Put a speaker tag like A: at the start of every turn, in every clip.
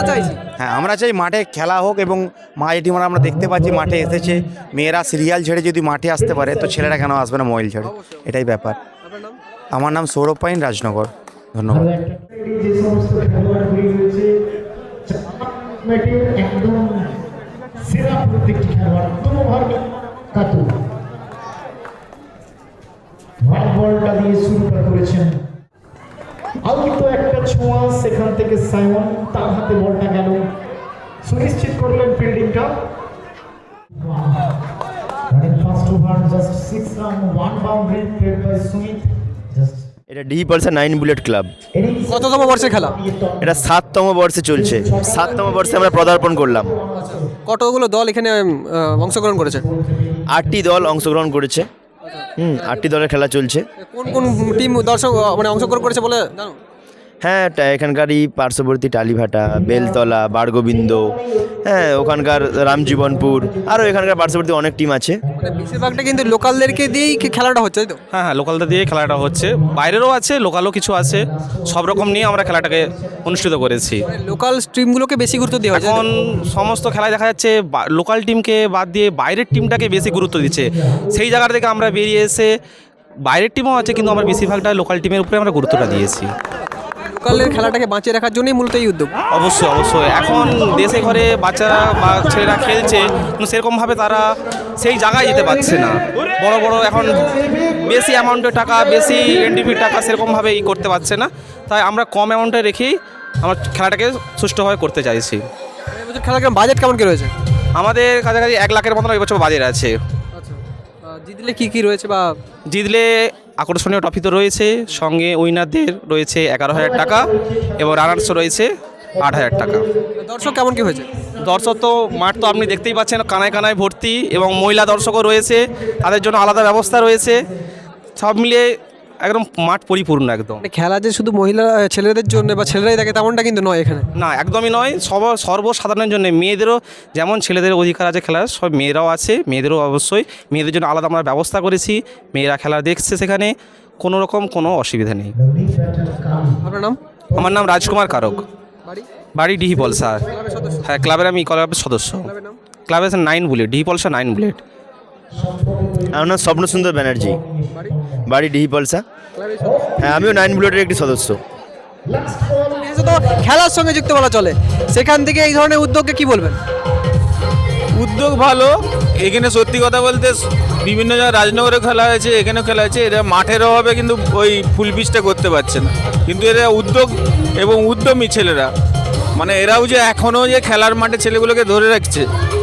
A: চাইছি।
B: হ্যাঁ, আমরা চাই মাঠে খেলা হোক এবং মা এই টিম আমরা দেখতে পাচ্ছি মাঠে এসেছে। মেয়েরা সিরিয়াল ছেড়ে যদি মাঠে আসতে পারে তো ছেলেরা কেন আসবে না মোবাইল ছেড়ে, এটাই ব্যাপার।
A: আপনার নাম?
B: আমার নাম সৌরভ পাইন, রাজনগর। ধন্যবাদ।
C: যে সমস্ত খেলোয়াড়গুলি রয়েছে একদম সেরা প্রত্যেকটি খেলোয়াড় কোনোভার কাতু হোয়াইট বলটা দিয়ে শুরুটা করেছেন। আলতো একটা ছোঁয়া সেখান থেকে সাইমন তার হাতে বলটা গেল, সুনিশ্চিত করলেন ফিল্ডিংটা। First over just 6 run 1 boundary played by Sumit.
D: এটা ডি পালসা 9 বুলেট ক্লাব।
A: কততম বর্ষের খেলা?
D: এটা 7তম বর্ষে চলছে। 7তম বর্ষে আমরা পদার্পণ করলাম।
A: কতগুলো দল এখানে অংশগ্রহণ করেছে?
D: 8টি দল অংশগ্রহণ করেছে। 8টি দলের খেলা চলছে।
A: কোন কোন টিম দর্শক মানে অংশগ্রহণ করেছে বলে জানো?
D: হ্যাঁ, এখানকারই পার্শ্ববর্তী টালিভাটা, বেলতলা, বারগোবিন্দ, হ্যাঁ ওখানকার রামজীবনপুর, আরও এখানকার পার্শ্ববর্তী অনেক টিম আছে।
A: মানে বেশিরভাগটা কিন্তু লোকালদেরকে দিয়েই খেলাটা হচ্ছে, তাই তো?
E: হ্যাঁ হ্যাঁ, লোকালদের দিয়ে খেলাটা হচ্ছে, বাইরেরও আছে, লোকালও কিছু আছে, সব রকম নিয়ে আমরা খেলাটাকে অনুষ্ঠিত করেছি।
A: লোকাল স্ট্রিমগুলোকে বেশি গুরুত্ব দেওয়া হয়
E: এখন সমস্ত খেলায় দেখা যাচ্ছে লোকাল টিমকে বাদ দিয়ে বাইরের টিমটাকে বেশি গুরুত্ব দিচ্ছে। সেই জায়গা থেকে আমরা বেরিয়ে এসে বাইরের টিমও আছে, কিন্তু আমরা বেশিরভাগটা লোকাল টিমের উপরে আমরা গুরুত্বটা দিয়েছি।
A: লোকালের খেলাটাকে বাঁচিয়ে রাখার জন্যই মূলত এই উদ্যোগ।
E: অবশ্যই অবশ্যই, এখন দেশে ঘরে বাচ্চারা বা ছেলেরা খেলছে, কিন্তু সেরকমভাবে তারা সেই জায়গায় যেতে পারছে না। বড় বড় এখন বেশি অ্যামাউন্টের টাকা, বেশি এনডিপির টাকা সেরকমভাবে করতে পারছে না, তাই আমরা কম অ্যামাউন্টে রেখেই আমার খেলাটাকে সুষ্ঠুভাবে করতে চাইছি।
A: এবছর খেলার বাজেট কেমন কি রয়েছে?
E: আমাদের কাছাকাছি 1 লাখের মতন এবছর বাজেট আছে।
A: আচ্ছা, জিতলে কি কি রয়েছে বা
E: জিতলে আকর্ষণীয় ট্রফি তো রয়েছে, সঙ্গে উইনারদের রয়েছে 11,000 টাকা এবং রানার্স রয়েছে 8,000 টাকা।
A: দর্শক কেমন কি হয়েছে?
E: দর্শক তো মাঠ তো আপনি দেখতেই পাচ্ছেন কানায় কানায় ভর্তি, এবং মহিলা দর্শকও রয়েছে, তাদের জন্য আলাদা ব্যবস্থা রয়েছে। সব মিলিয়ে একদম মাঠ পরিপূর্ণ একদম।
A: মানে খেলা যে শুধু মহিলা ছেলেদের জন্য বা ছেলেরাই দেখে তেমনটা কিন্তু নয় এখানে।
E: না, একদমই নয়, সর্বসাধারণের জন্য, মেয়েদেরও যেমন ছেলেদের অধিকার আছে খেলার, সব মেয়েরাও আছে, মেয়েদেরও অবশ্যই মেয়েদের জন্য আলাদা আমরা ব্যবস্থা করেছি। মেয়েরা খেলা দেখছে, সেখানে কোনো রকম কোনো অসুবিধা নেই।
A: আপনার নাম?
E: আমার নাম রাজকুমার কারক,
A: বাড়ি?
E: বাড়ি ডিহি পলসা।
A: ক্লাবের সদস্য?
E: হ্যাঁ, ক্লাবের আমি ক্লাবের সদস্য।
A: ক্লাবের নাম?
E: ক্লাবের 9 বুলেট, ডিহি পলসা 9 বুলেট।
D: আমার নাম স্বপ্ন সুন্দর ব্যানার্জি,
A: বাড়ি?
D: বাড়ি ডিহি পালসা।
A: ক্লাবের সদস্য?
D: হ্যাঁ, আমিও 9 বুলেটের একটি সদস্য।
A: বিশেষত খেলার সঙ্গে যুক্ত বলা চলে, সেখান থেকে এই ধরনের উদ্যোগকে কি বলবেন?
F: উদ্যোগ ভালো। এখানে সত্যি কথা বলতে বিভিন্ন জায়গায় রাজনগরে খেলা হয়েছে, এখানেও খেলা হয়েছে, এরা মাঠের অভাবে কিন্তু ওই ফুল পিচটা করতে পারছে না, কিন্তু এরা উদ্যোগ এবং উদ্যমী ছেলেরা, মানে এরাও যে এখনও যে খেলার মাঠে ছেলেগুলোকে ধরে রাখছে,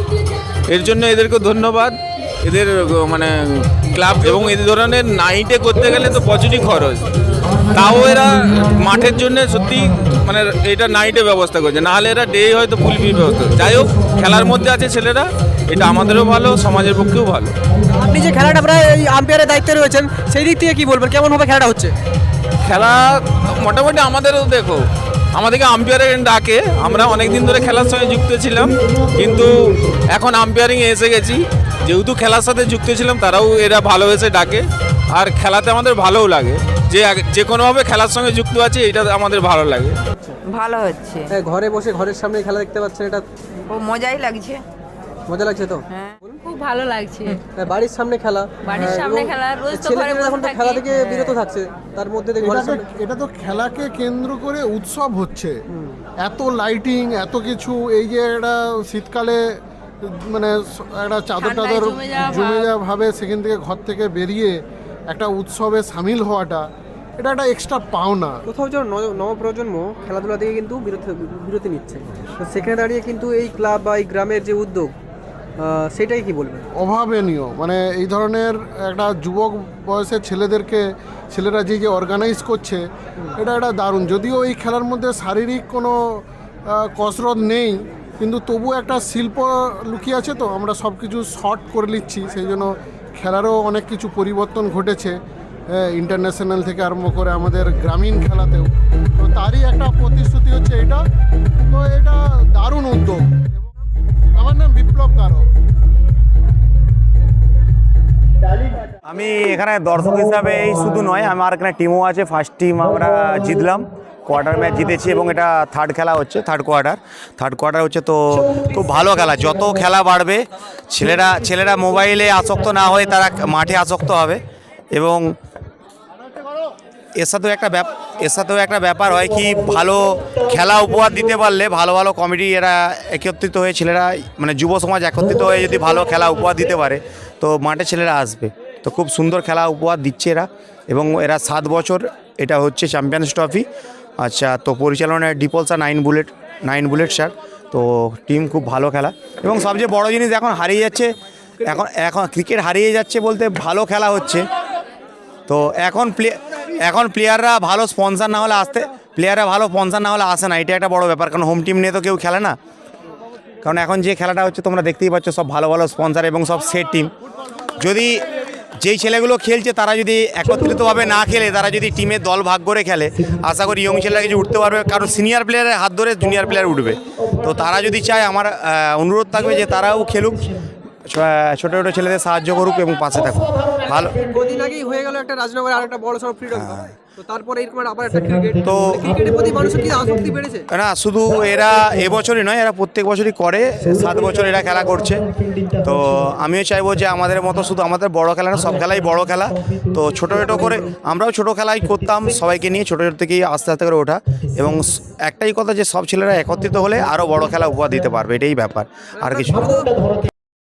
F: এর জন্য এদেরকে ধন্যবাদ। এদের মানে ক্লাব এবং এই ধরনের নাইটে করতে গেলে তো প্রচুরই খরচ, তাও এরা মাঠের জন্য সত্যি মানে এটা নাইটে ব্যবস্থা করছে, নাহলে এরা ডে হয়তো ফুল পিচ ব্যবস্থা। যাই হোক, খেলার মধ্যে আছে ছেলেরা, এটা আমাদেরও ভালো, সমাজের পক্ষেও ভালো।
A: আপনি যে খেলাটা প্রায় এই আম্পায়ারের দায়িত্বে রয়েছেন, সেই দিক থেকে কি বলবেন, কেমনভাবে খেলাটা হচ্ছে?
F: খেলা মোটামুটি আমাদেরও দেখো, আমাদেরকে আম্পায়ারের ডাকে, আমরা অনেক দিন ধরে খেলার সঙ্গে যুক্ত ছিলাম, কিন্তু এখন আম্পায়ারিংয়ে এসে গেছি, যেহেতু খেলার সাথে যুক্ত ছিলাম তারাও এরা ভালোবেসে ডাকে, আর খেলাতে আমাদের ভালোও লাগে, যে কোনোভাবে খেলার সঙ্গে যুক্ত আছে, এটা আমাদের ভালো লাগে।
G: ভালো হচ্ছে,
A: ঘরে বসে ঘরের সামনে খেলা দেখতে পাচ্ছেন, এটা
G: খুব মজাই লাগছে।
A: মজা লাগছে তো?
G: হ্যাঁ, খুব ভালো লাগছে।
A: বাড়ির সামনে খেলা,
G: বাড়ির সামনে খেলা, রোজ তো ঘরে বসে
A: এখন তো
G: থাকি।
A: খেলা থেকে বিরত থাকছে, তার মধ্যে দেখি ঘরের সামনে।
H: এটা তো খেলাকে কেন্দ্র করে উৎসব হচ্ছে, এত লাইটিং, এত কিছু, এই যে একটা শীতকালে মানে একটা চাদর টাদর জমে যাওয়া ভাবে সেখান থেকে ঘর থেকে বেরিয়ে একটা উৎসবে সামিল হওয়াটা, এটা একটা এক্সট্রা পাওনা।
A: কোথাও যেন নবপ্রজন্ম খেলাধুলা থেকে কিন্তু বিরতি নিচ্ছে, তো সেখানে দাঁড়িয়ে কিন্তু এই ক্লাব বা এই গ্রামের যে উদ্যোগ, সেটাই কি বলবেন?
H: অভাবনীয়, মানে এই ধরনের একটা যুবক বয়সের ছেলেরা যে অর্গানাইজ করছে, এটা একটা দারুণ। যদিও এই খেলার মধ্যে শারীরিক কোনো কসরত নেই, কিন্তু তবু একটা শিল্প লুকিয়ে আছে, তো আমরা সব কিছু শর্ট করে নিচ্ছি, সেই জন্য খেলারও অনেক কিছু পরিবর্তন ঘটেছে, ইন্টারন্যাশনাল থেকে আরম্ভ করে আমাদের গ্রামীণ খেলাতেও, তো তারই একটা প্রতিশ্রুতি হচ্ছে এটা। তো এটা দারুণ উদ্যোগ। আমার নাম বিপ্লব কারক।
B: আমি এখানে দর্শক হিসাবে এই শুধু নয়, আমার এখানে টিমও আছে, ফার্স্ট টিম আমরা জিতলাম কোয়ার্টার ম্যাচ জিতেছি এবং এটা থার্ড খেলা হচ্ছে, থার্ড কোয়ার্টার হচ্ছে। তো খুব ভালো খেলা, যত খেলা বাড়বে ছেলেরা মোবাইলে আসক্ত না হয়ে তারা মাঠে আসক্ত হবে। এবং এর সাথেও একটা ব্যাপার হয় কি, ভালো খেলা উপহার দিতে পারলে ভালো ভালো কমিটি এরা একত্রিত হয়ে ছেলেরা মানে যুব সমাজ একত্রিত হয়ে যদি ভালো খেলা উপহার দিতে পারে তো মাঠে ছেলেরা আসবে। তো খুব সুন্দর খেলা উপহার দিচ্ছে এরা, এবং এরা 7 বছর এটা হচ্ছে চ্যাম্পিয়ন্স ট্রফি। আচ্ছা, তো পরিচালনায় ডিপল স্যার, 9 বুলেট স্যার। তো টিম খুব ভালো খেলা, এবং সবচেয়ে বড় জিনিস এখন হারিয়ে যাচ্ছে, এখন ক্রিকেট হারিয়ে যাচ্ছে বলতে ভালো খেলা হচ্ছে। তো এখন প্লেয়াররা ভালো স্পন্সর না হলে আসে না, এটা একটা বড় ব্যাপার। কারণ হোম টিম নিয়ে তো কেউ খেলে না। কারণ এখন যে খেলাটা হচ্ছে তোমরা দেখতেই পাচ্ছ, সব ভালো ভালো স্পন্সর এবং সব সেট টিম। যদি যেই ছেলেগুলো খেলছে তারা যদি একত্রিতভাবে না খেলে, তারা যদি টিমের দল ভাগ করে খেলে, আশা করি ইয়ং ছেলেরা কিছু উঠতে পারবে। কারণ সিনিয়র প্লেয়ারের হাত ধরে জুনিয়র প্লেয়ার উঠবে। তো তারা যদি চায়, আমার অনুরোধ থাকবে যে তারাও খেলুক, ছোটো ছোটো ছেলেদের সাহায্য করুক এবং পাশে থাকুক। ভালো
A: কদিন আগেই হয়ে গেল একটা রাজনগরে আরেকটা বড় সড়ো ফ্রিডম কাপ, তো তারপরে এরকম আবার একটা ক্রিকেট,
B: তো
A: ক্রিকেটের প্রতি মানুষের কি আসক্তি বেড়েছে?
B: না, শুধু এরা এবছরই নয়, এরা প্রত্যেক বছরই করে, 7 বছর এরা খেলা করছে। তো আমিও চাইবো যে আমাদের মতো শুধু আমাদের বড় খেলা না, সব খেলাই বড় খেলা। তো ছোটো ছোটো করে আমরাও ছোটো খেলাই করতাম, সবাইকে নিয়ে ছোটো ছোটো থেকেই আস্তে আস্তে করে ওঠা। এবং একটাই কথা যে সব ছেলেরা একত্রিত হলে আরও বড় খেলা উপহার দিতে পারবে, এটাই ব্যাপার, আর কিছু না।